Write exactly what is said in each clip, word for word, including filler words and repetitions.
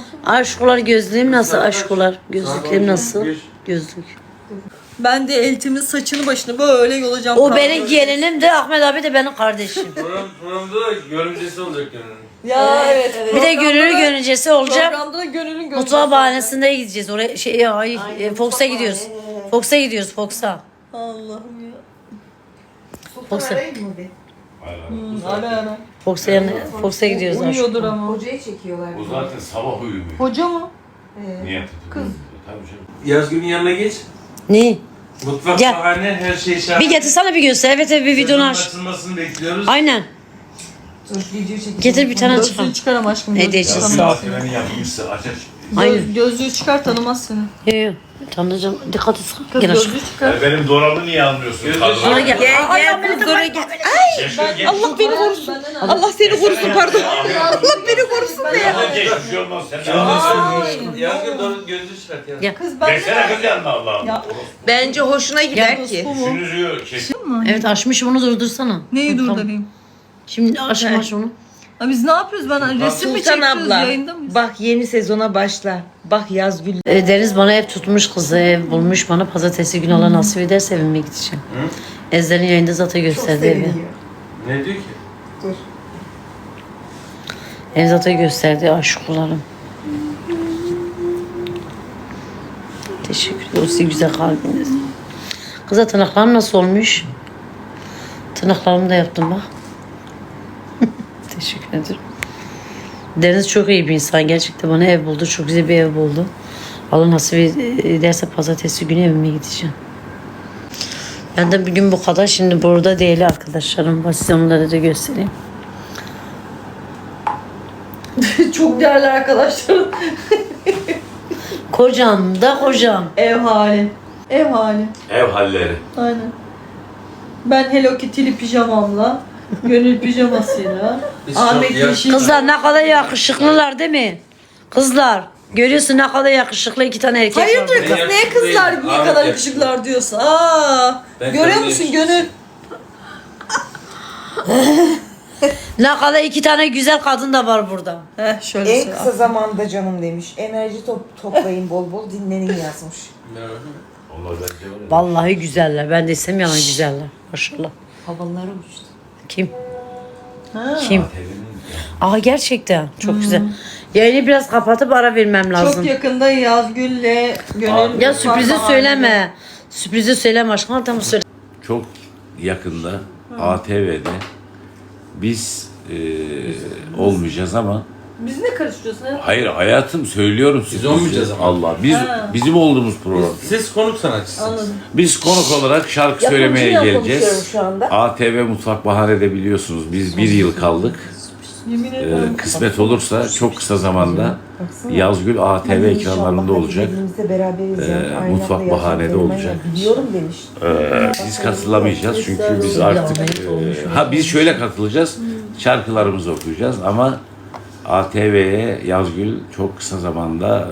Aşkular gözlüğüm nasıl aşkular? Gözlüklerim nasıl? Gözlük. Ben de eltimin saçını başını böyle yolacağım. O benim gelinim de Ahmet abi de benim kardeşim. Program, programda da görümcesi olacak yani. Ya evet. evet. Bir de gönüllü görüncesi olacak. Programda da gönülün görüncesi. Mutfağı bahanesinde gideceğiz. Oraya şey ay, e, Fox'a gidiyoruz. Fox'a gidiyoruz Fox'a. Allah'ım ya. Fox'a. Ara ara. Fox'a yanı Fox'a gidiyoruz aşkım. Uyuyordur ama. Hocayı çekiyorlar. O zaten sabah uyumuyor. Hoca mı? Niye? Kız. Tabii canım. Yazgül'ün yanına geç. Ne? Mutfak Gel. bahane her şey şahane. Bir getirsene bir göster. Evet evet bir videonu aç. Açılmasını bekliyoruz. Aynen. Dur video çekiyor. Getir bir tane çıkar. Gözlüğü çıkar ama aşkım. Ne gözlüğü diyeceğiz? çıkar. Ya bir ATV'nin yapmışsa aç aç. Aynen. Göz, gözlüğü çıkar tanımaz seni. Yok yok. Tanrıcığım dikkat et. Kız Gel aşkım. gözlüğü çıkar. Ya benim dolabı niye almıyorsun? Gözlüğü Kadın- Sonra gel. Gel Ay, gel Ahmet kız abi. oraya gel. Gel, gel. Allah beni korusun. Allah seni korusun pardon. Allah beni korusun be ya. Geç bir şey olmaz. Sen de Yazgül doğru gözlüğü çıkart ya. Gel. Kız ben Geçsene kız yanına Allah'ım. Ya. Bence hoşuna gider ki. Bu mu? Şunuzu çek. Evet açmışım onu durdursana. Neyi Tamam. durdurayım? Şimdi aç aç onu. Ha biz ne yapıyoruz? Ben resim mi Sultan çekiyoruz? abla Yayında mıyız? bak yeni sezona başla. Bak Yazgül. E, Deniz bana ev tutmuş kızı, ev bulmuş bana. Pazartesi günü Allah nasip ederse evime gideceğim. Ezder'in yayında zaten gösterdi evi. Ne diyor ki? Dur. Ev zaten gösterdi aşkularım. Teşekkür ederim. O sizin güzel kalbiniz. Kıza tırnaklarım nasıl olmuş? Tırnaklarımı da yaptım bak. Teşekkür ederim. Deniz çok iyi bir insan. Gerçekten bana ev buldu. Çok güzel bir ev buldu. Allah nasip ederse pazartesi günü evime gideceğim. Ben de bugün bu kadar. Şimdi burada değil arkadaşlarım var. Size onları da göstereyim. Çok değerli arkadaşlarım. Kocam da kocam. Ev hali. Ev hali. Ev halleri. Aynen. Ben Hello Kitty'li pijamamla, Gönül pijamasıyla, Biz Ahmet çok yaş- Yeşil. Kızlar ne kadar yakışıklılar değil mi? Kızlar. Görüyorsun ne kadar yakışıklı iki tane erkek var. Hayırdır burada. kız Ben neye kızlar yakışıklıyım. ne Ahmet kadar yakışıklı. yakışıklılar diyorsun? Aa, Ben görüyor kadın musun yakışıklı. Gönül? Ne kadar iki tane güzel kadın da var burada. Heh şöyle En söyle. kısa zamanda canım demiş. Enerji top, toplayın bol bol dinlenin yazmış. Allah bence var ya. Vallahi güzeller. Ben de istem yalan güzeller. Maşallah. Havalara uçtu. Kim? Ha. Kim? Aa gerçekten çok güzel. Yayını biraz kapatıp ara vermem lazım. Çok yakında Yazgül'le Gönül. Ya sürprizi Fatma söyleme. Sürprizi söyleme aşkım. Tamam söyle. Çok yakında A T V'de biz e, olmayacağız ama abi. Biz ne karıştırıyorsun? ha? hayır hayatım söylüyorum size. olmayacağız ama. Allah biz Ha. bizim olduğumuz program. Siz konuk sanatçısınız. Anladım. Biz konuk olarak şarkı söylemeye Yapımcıyla geleceğiz. konuşuyorum şu anda. A T V Mutfak Bahane'de biliyorsunuz biz bir yıl kaldık. Yemin Ee, ederim. kısmet olursa çok kısa zamanda Baksana. Yazgül A T V ekranlarında olacak. Birbirimizle beraberiz Ee, yani. Aynı mutfak anda bahanede yaşam olacak. sevmeyi Biliyorum demiş. Ee, biz katılamayacağız çünkü biz artık e, ha biz şöyle katılacağız. Şarkılarımızı okuyacağız ama A T V'ye Yazgül çok kısa zamanda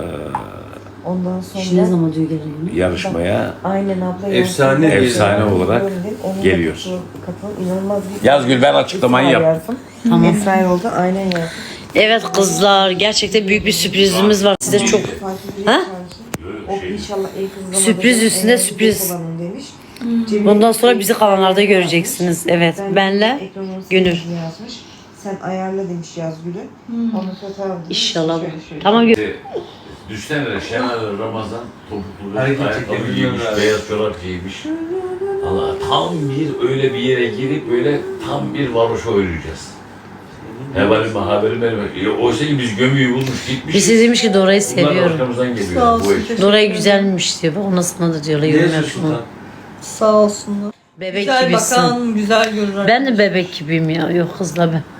Ondan Ne sonra zaman diyor geliyor? e, yarışmaya aynen abla. Efsane Yazgül- bir- efsane olarak Onunla geliyor. katıl- katıl- inanılmaz bir Yazgül ben açıklamayı Esra yap. yazdım. Tamam. Esra oldu aynen yazdım. Evet kızlar gerçekten büyük bir sürprizimiz var. Size çok Ha? O inşallah en kısa zamanda Sürpriz en üstüne enerji sürpriz. olanım demiş. Bundan sonra bizi kanallarda göreceksiniz. Evet. Ben Benle ekranın Gönül. sesini yazmış. Sen ayarla demiş Yazgül'ü. Onu fotoğraf demiş. İnşallah. Şöyle şöyle. Tamam gö- Düşsene Şener Ramazan topuklu Hareket ayakkabı çekebiliyor giymiş, abi. beyaz çorap giymiş. Allah tam bir öyle bir yere girip böyle tam bir varoşa oynayacağız. Hevalim haberim benim. Oysa ki biz gömüyü bulmuş gitmiş. Birisi demiş ki Dora'yı Bunlar seviyorum. arkamızdan Sağ geliyor olsun, bu ekip. teşekkür Dora'yı ederim. güzelmiş diyor. Bak ona sana da diyorlar. Ne Yorum yazıyorsun yapma. lan? Sağ olsunlar. Bebek Güzel gibisin. bakan, güzel görür. Ben de bebek gibiyim ya. Yok kızla ben.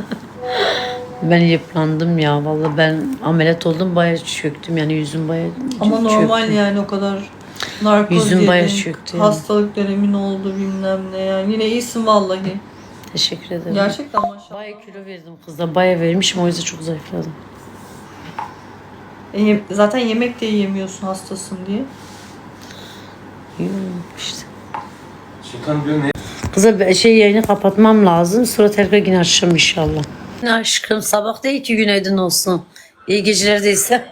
Ben yıprandım ya. Vallahi ben ameliyat oldum bayağı çöktüm. Yani yüzüm bayağı Ama çöktü. normal yani o kadar narkoz Yüzüm yedin, bayağı çöktü yani. hastalık dönemin oldu bilmem ne yani. Yine iyisin vallahi. Teşekkür ederim. Gerçekten maşallah. Bayağı kilo verdim kızla. Bayağı vermişim o yüzden çok zayıfladım. E, ye- zaten yemek de yiyemiyorsun hastasın diye. Yok işte. Sultan diyor ne? Kıza be- şey yayını kapatmam lazım. Sonra tekrar yine açacağım inşallah. Aşkım sabah değil ki günaydın olsun. İyi geceler değilse.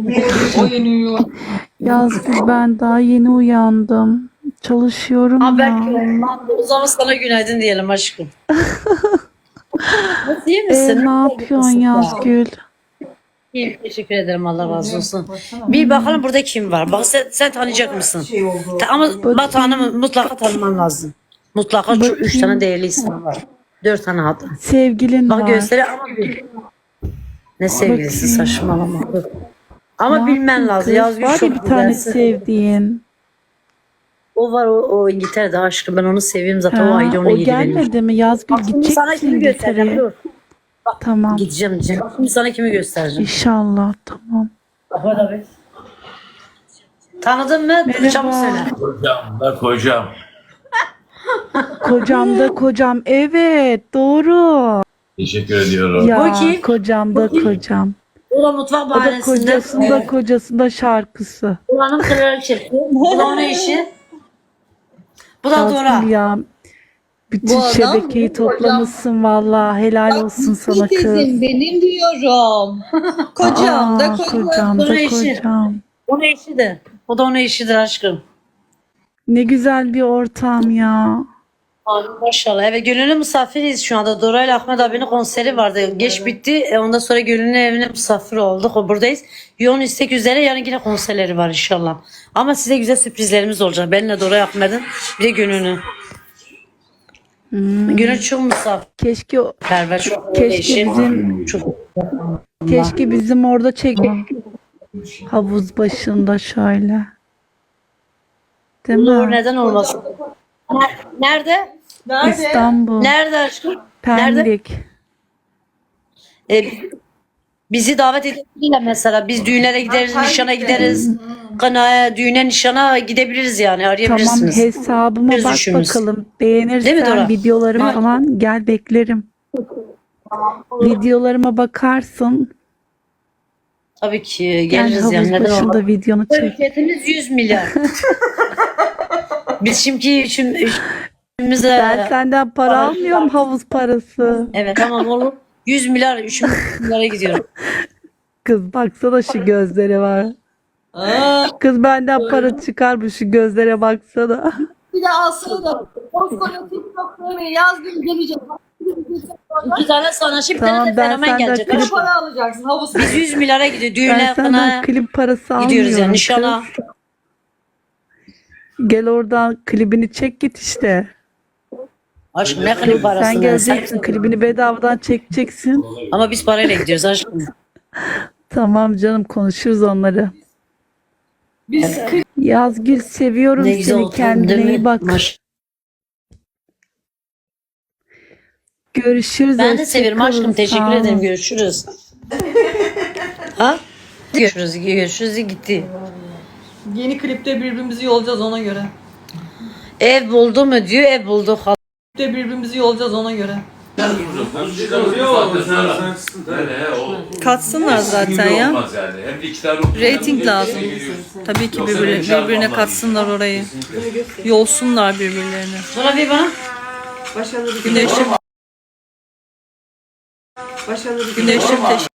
Yazgül ben daha yeni uyandım. Çalışıyorum Ama ya. belki o zaman sana günaydın diyelim aşkım. Nasıl, iyi Ee, misin? ne yapıyorsun Yazgül? İyiyim, teşekkür ederim, Allah razı olsun. Bir bakalım burada kim var. Bak sen, sen tanıyacak mısın? Şey oldu. Ta- Ama Batuhan'ı mutlaka tanıman lazım. Mutlaka çok üç tane değerli isim var. Dört tane hatta. Sevgilin Bak var. gösteri ama bir. Ne sevgilisi, Bakayım. saçmalama. Ama Ne bilmen yaptın lazım. kız? Yazgül Var ya çok bir tane güzelsin. sevdiğin. O var, o, o İngiltere'de aşkım. Ben onu seviyorum zaten. O Ha, ayrı, ona o yedi benim. gelmedi mi? Yazgül Bak şimdi gidecek sana misin kimi göstereceğim? İngiltere'ye? Dur. Tamam. Gideceğim diyeceğim. Bak şimdi sana kimi göstereceğim. İnşallah tamam. Ahmet abi. Tanıdın mı? Merhaba. Çabuk söyle. Kocam da kocam. Kocam da kocam. Evet doğru. Teşekkür ediyorum. Ya Bu kim? kocam da kocam. O da mutfak O da bahanesinde. kocasında kocasında şarkısı. Buranın kraliçesi. Bu da onun eşi. Bu da Dora. Yazgül ya. Bütün Bu adam şebekeyi toplamışsın vallahi. Helal olsun sana kız. Teyzem benim diyorum. Kocam da Aa, kocam. kocam da Bunun eşi. kocam. Onun eşi de. O da onun eşidir aşkım. Ne güzel bir ortam ya. Amin maşallah. Evet, Gönül'ün misafiriyiz şu anda. Dora ile Ahmet abinin konseri vardı. Geç bitti. E, ondan sonra Gönül'ün evine misafir olduk. O buradayız. Yoğun istek üzere yarın yine konserleri var inşallah. Ama size güzel sürprizlerimiz olacak. Benimle Dora Ahmet'in bir de Gönül'ün. Hmm. Gönül çok misafirperver. Keşke Çok Keşke eşi. bizim- Çok keşke bizim orada çek havuz başında şöyle. Değil Olur, mi? neden olmasın? Nerede? İstanbul, Nerede aşkım? Nerede? Pendik. E, bizi davet edebilirler mesela. Biz düğünlere gideriz, nişana gideriz. Kınaya, düğüne, nişana gidebiliriz yani. Tamam Arayabilirsiniz. hesabıma Biz bak düşünürüz. bakalım. Değil mi Dora? Beğenirsen videoları Değil mi? falan gel beklerim. Videolarıma bakarsın. Tabii ki Gel geliriz havuz yani. Neden başında olmaz? videonu çek. Ücretimiz yüz milyar. Biz şimdi üçün, üçümüze... Ben senden para almıyorum havuz parası. Evet tamam olur. yüz milyar, üç milyara gidiyorum. Kız baksana şu gözlere var. Kız benden para çıkar bu şu gözlere baksana. Bir de alsana da. Koskoca TikTok'ta yaz gün gelecek. İki tane sanatçı, bir Tamam, tane de ben fenomen senden gelecek. klip- Para alacaksın havuz. Biz yüz milyara gidiyor. Ben Düğüne, senden kınaya klip parası almıyorum. gidiyoruz yani. kız. Nişana. Gel oradan klibini çek git işte. Aşkım ne klip parası? Sen geleceksin klibini bedavadan çekeceksin. Ama biz parayla gidiyoruz aşkım. Tamam canım konuşuruz onları. Biz Yazgül seviyorum Ne güzel seni oldu. kendine değil mi? iyi bak. Maş- Görüşürüz. Ben de hoşça severim kalın, aşkım. sağ Teşekkür olun. ederim. Görüşürüz. Ha? Görüşürüz. Görüşürüz. Gitti. Yeni klipte birbirimizi yolacağız ona göre. Ev buldu mu diyor. Ev bulduk. Klipte birbirimizi yolacağız ona göre. Katsınlar zaten ya. Olmaz yani. Hem de iki tane Rating lazım. Tabii ki birbirine, birbirine katsınlar orayı. Yolsunlar birbirlerini. Sonra bir bana. Başarılı bir Güneşim, Başarılı bir güneşim teşekkür